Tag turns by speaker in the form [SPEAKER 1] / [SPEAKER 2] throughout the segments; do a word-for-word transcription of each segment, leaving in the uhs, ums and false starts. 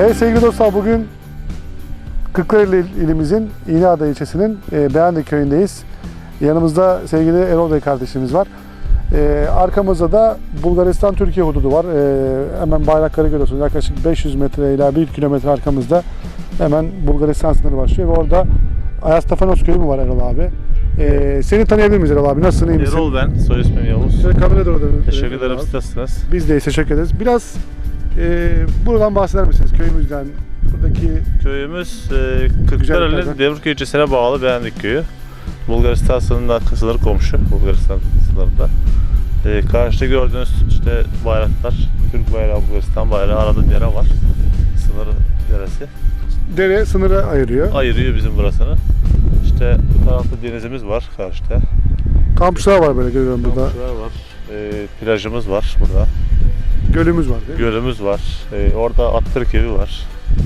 [SPEAKER 1] Evet sevgili dostlar, bugün Kırklareli ilimizin İğneada ilçesinin e, Beğendik köyündeyiz. Yanımızda sevgili Erol Bey kardeşimiz var. E, arkamızda da Bulgaristan-Türkiye hududu var. E, hemen bayrakları görüyorsunuz. Yaklaşık beş yüz metre ila bir kilometre arkamızda hemen Bulgaristan sınırı başlıyor ve orada Ayastafanos köyü mü var Erol abi? E, seni tanıyabilir miyiz Erol abi? Nasılsın, iyi misin?
[SPEAKER 2] Erol ben, soy ismim Yavuz.
[SPEAKER 1] Şöyle kameraya doğru dönün.
[SPEAKER 2] Teşekkür ederim, siz nasılsınız?
[SPEAKER 1] Biz de teşekkür ederiz. Biraz e, buradan bahseder misiniz? Köyümüzden, buradaki
[SPEAKER 2] Köyümüz e, Kırklareli Devrköy ilçesine bağlı Beğendik köyü. Bulgaristan sınırında sınır komşu, Bulgaristan sınırında. E, karşıda gördüğünüz işte bayraklar, Türk bayrağı, Bulgaristan bayrağı, arada dere var. Sınır deresi.
[SPEAKER 1] dere sınırı ayırıyor.
[SPEAKER 2] Ayırıyor bizim burasını. İşte bu tarafta denizimiz var karşıda.
[SPEAKER 1] Kampçılar var böyle görüyorum burada.
[SPEAKER 2] Kampçılar var. E, plajımız var burada.
[SPEAKER 1] Gölümüz var değil mi?
[SPEAKER 2] Gölümüz var. E, orada Attırk evi var.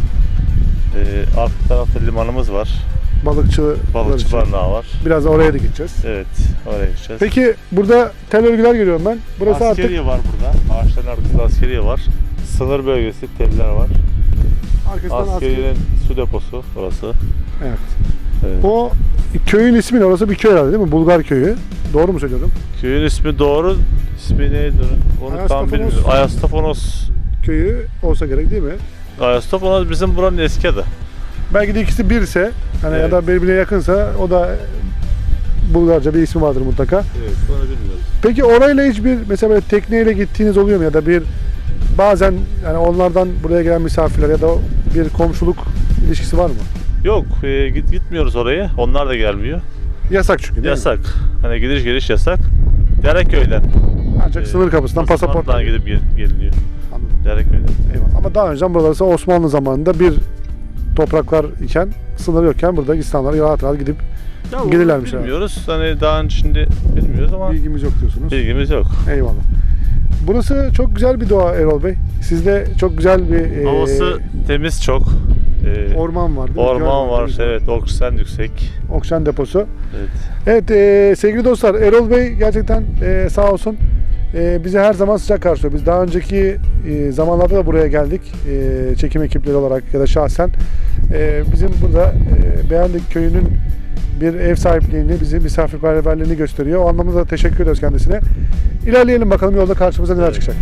[SPEAKER 2] E, arka tarafta limanımız var.
[SPEAKER 1] Balıkçı,
[SPEAKER 2] Balıkçı barınağı var.
[SPEAKER 1] Biraz da oraya da gideceğiz.
[SPEAKER 2] Evet, oraya gideceğiz.
[SPEAKER 1] Peki burada tel örgüler görüyorum ben. Burası
[SPEAKER 2] askeriye
[SPEAKER 1] artık
[SPEAKER 2] var burada. Ağaçların arkasında askeriye var. Sınır bölgesi, teller var.
[SPEAKER 1] arkasından
[SPEAKER 2] Askeriyenin
[SPEAKER 1] asker...
[SPEAKER 2] su deposu burası.
[SPEAKER 1] Evet.
[SPEAKER 2] Evet.
[SPEAKER 1] O köyün ismi ne? Orası bir köy herhalde değil mi? Bulgar köyü. Doğru mu söylüyorum?
[SPEAKER 2] Köyün ismi doğru. İsmi neydi? Onu
[SPEAKER 1] Ayastafanos.
[SPEAKER 2] tam bilmiyorum. Ayastafanos.
[SPEAKER 1] Köyü olsa gerek değil mi?
[SPEAKER 2] Ayastafanos bizim buranın eski adı.
[SPEAKER 1] Belki de ikisi birse, hani
[SPEAKER 2] Evet.
[SPEAKER 1] ya da birbirine yakınsa o da Bulgarca bir ismi vardır mutlaka.
[SPEAKER 2] Evet, onu bilmiyoruz.
[SPEAKER 1] Peki orayla hiçbir mesela böyle tekneyle gittiğiniz oluyor mu ya da bir bazen yani onlardan buraya gelen misafirler ya da bir komşuluk ilişkisi var mı?
[SPEAKER 2] Yok, e, git gitmiyoruz oraya. Onlar da gelmiyor.
[SPEAKER 1] Yasak çünkü değil mi?
[SPEAKER 2] Yasak. Hani gidiş geliş yasak. Dereköy'den.
[SPEAKER 1] Ancak
[SPEAKER 2] e,
[SPEAKER 1] sınır kapısından pasaportla
[SPEAKER 2] pasaportla gidip gel, geliniyor.
[SPEAKER 1] Anladım.
[SPEAKER 2] Dereköy'den.
[SPEAKER 1] Eyvallah. Ama daha önceden buraları Osmanlı zamanında bir topraklar iken, sınır yokken burada insanlar rahat rahat gidip
[SPEAKER 2] Ya onu
[SPEAKER 1] gelirlermiş abi.
[SPEAKER 2] bilmiyoruz. Hani daha önce şimdi bilmiyoruz ama
[SPEAKER 1] Bilgimiz yok diyorsunuz.
[SPEAKER 2] bilgimiz yok.
[SPEAKER 1] Eyvallah. Burası çok güzel bir doğa Erol Bey. Sizde çok güzel bir e,
[SPEAKER 2] Havası temiz çok. Ee,
[SPEAKER 1] orman var değil mi?
[SPEAKER 2] orman
[SPEAKER 1] Göl
[SPEAKER 2] var,
[SPEAKER 1] değil mi?
[SPEAKER 2] evet, oksijen yüksek.
[SPEAKER 1] Oksijen deposu.
[SPEAKER 2] Evet.
[SPEAKER 1] Evet e, sevgili dostlar, Erol Bey gerçekten e, sağ olsun e, bizi her zaman sıcak karşılıyor. Biz daha önceki e, zamanlarda da buraya geldik e, çekim ekipleri olarak ya da şahsen. E, bizim burada e, Beğendik köyünün bir ev sahipliğini, bizi misafirperverliğini gösteriyor. O anlamda da teşekkür ediyoruz kendisine. İlerleyelim bakalım yolda karşımıza neler
[SPEAKER 2] Evet.
[SPEAKER 1] çıkacak.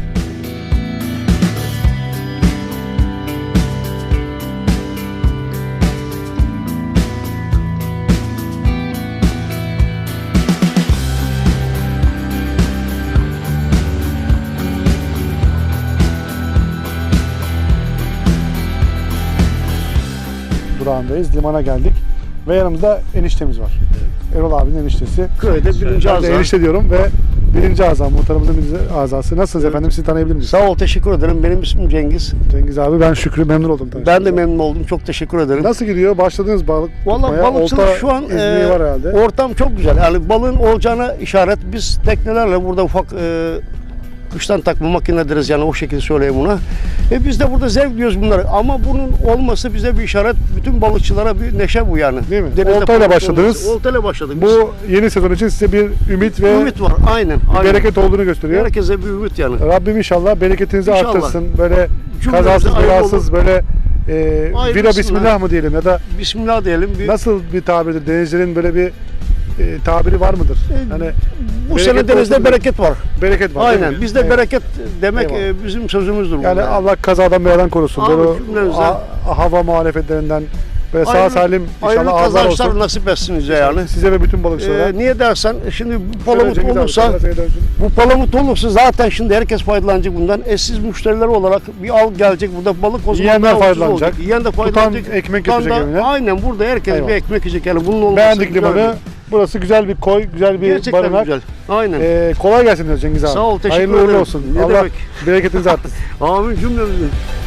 [SPEAKER 1] Durağındayız. Limana geldik. Ve yanımızda eniştemiz var.
[SPEAKER 2] Evet.
[SPEAKER 1] Erol abinin eniştesi.
[SPEAKER 3] Köyde birinci
[SPEAKER 1] Ben de
[SPEAKER 3] azam.
[SPEAKER 1] enişte diyorum ve birinci azam, muhtarımızın birinci azası. Nasılsınız
[SPEAKER 3] Evet.
[SPEAKER 1] efendim? Sizi tanıyabilir miyiz?
[SPEAKER 3] Sağ ol, teşekkür ederim. Benim ismim Cengiz.
[SPEAKER 1] Cengiz abi, ben Şükrü, memnun oldum.
[SPEAKER 3] Ben de
[SPEAKER 1] tanıştığınıza.
[SPEAKER 3] memnun oldum. Çok teşekkür ederim.
[SPEAKER 1] Nasıl gidiyor? Başladınız balık
[SPEAKER 3] Vallahi
[SPEAKER 1] tutmaya.
[SPEAKER 3] balıkçılık
[SPEAKER 1] Olta
[SPEAKER 3] şu an
[SPEAKER 1] izniği
[SPEAKER 3] e,
[SPEAKER 1] var herhalde.
[SPEAKER 3] ortam çok güzel. Yani balığın olacağına işaret. Biz teknelerle burada ufak e, kıştan takma makine deriz, yani o şekilde söyleyeyim buna. E biz de burada zevk diyoruz bunları. Ama bunun olması bize bir işaret. Bütün balıkçılara bir neşe bu yani.
[SPEAKER 1] Değil mi?
[SPEAKER 3] Denizde
[SPEAKER 1] Oltayla
[SPEAKER 3] balık
[SPEAKER 1] başladınız.
[SPEAKER 3] olması. Oltayla başladık biz.
[SPEAKER 1] Bu yeni sezon için size bir ümit ve
[SPEAKER 3] Ümit var. Aynen.
[SPEAKER 1] bir
[SPEAKER 3] aynen.
[SPEAKER 1] bereket olduğunu gösteriyor.
[SPEAKER 3] Herkese bir ümit yani.
[SPEAKER 1] Rabbim inşallah bereketinizi
[SPEAKER 3] İnşallah.
[SPEAKER 1] artırsın. Böyle
[SPEAKER 3] Cümlemize
[SPEAKER 1] kazasız
[SPEAKER 3] hayırlı
[SPEAKER 1] belasız böyle e,
[SPEAKER 3] Hayırlısına.
[SPEAKER 1] vira bismillah mı diyelim ya da
[SPEAKER 3] Bismillah diyelim. Bir,
[SPEAKER 1] nasıl bir tabirdir? Denizcilerin böyle bir e, tabiri var mıdır?
[SPEAKER 3] E,
[SPEAKER 1] Hani
[SPEAKER 3] bu
[SPEAKER 1] bereket
[SPEAKER 3] sene denizde
[SPEAKER 1] olsun
[SPEAKER 3] bereket var.
[SPEAKER 1] bereket var. değil
[SPEAKER 3] Aynen.
[SPEAKER 1] mi?
[SPEAKER 3] Bizde
[SPEAKER 1] Evet.
[SPEAKER 3] bereket demek
[SPEAKER 1] Eyvallah.
[SPEAKER 3] e, bizim sözümüzdür.
[SPEAKER 1] Yani
[SPEAKER 3] burada.
[SPEAKER 1] Allah kazadan beladan korusun.
[SPEAKER 3] Abi,
[SPEAKER 1] Böyle o
[SPEAKER 3] cümlemize.
[SPEAKER 1] a- hava muhalefetlerinden böyle sağ
[SPEAKER 3] Hayırlı-
[SPEAKER 1] salim
[SPEAKER 3] Hayırlı
[SPEAKER 1] inşallah ağızlar
[SPEAKER 3] kazançlar
[SPEAKER 1] olsun.
[SPEAKER 3] nasip etsin bize yani.
[SPEAKER 1] Size ve bütün balıkçılara.
[SPEAKER 3] Ee, niye dersen şimdi bu
[SPEAKER 1] Şöyle
[SPEAKER 3] palamut
[SPEAKER 1] Cengiz abi,
[SPEAKER 3] olursa
[SPEAKER 1] şöyle dönsün.
[SPEAKER 3] bu palamut olursa zaten şimdi herkes faydalanacak bundan. E siz müşteriler olarak bir al gelecek burada balık o zaman
[SPEAKER 1] Yiyenler
[SPEAKER 3] daha ucuz
[SPEAKER 1] faydalanacak.
[SPEAKER 3] olacak. Yiyen de
[SPEAKER 1] Tutan
[SPEAKER 3] faydalanacak.
[SPEAKER 1] ekmek
[SPEAKER 3] Tutan
[SPEAKER 1] götürecek
[SPEAKER 3] da-
[SPEAKER 1] evine.
[SPEAKER 3] Aynen burada herkes
[SPEAKER 1] Eyvallah.
[SPEAKER 3] bir ekmek yiyecek yani bunun olması
[SPEAKER 1] Beğendik
[SPEAKER 3] güzel
[SPEAKER 1] limanı.
[SPEAKER 3] bir-
[SPEAKER 1] Burası güzel bir koy, güzel bir
[SPEAKER 3] Gerçekten
[SPEAKER 1] barınak.
[SPEAKER 3] güzel. Aynen.
[SPEAKER 1] Ee, kolay gelsin diyoruz Cengiz abi.
[SPEAKER 3] Sağ ol, teşekkür
[SPEAKER 1] Hayırlı uğurlu
[SPEAKER 3] ederim.
[SPEAKER 1] olsun.
[SPEAKER 3] Ne
[SPEAKER 1] Allah
[SPEAKER 3] demek.
[SPEAKER 1] bereketinizi arttırsın.
[SPEAKER 3] Amin cümlemizin.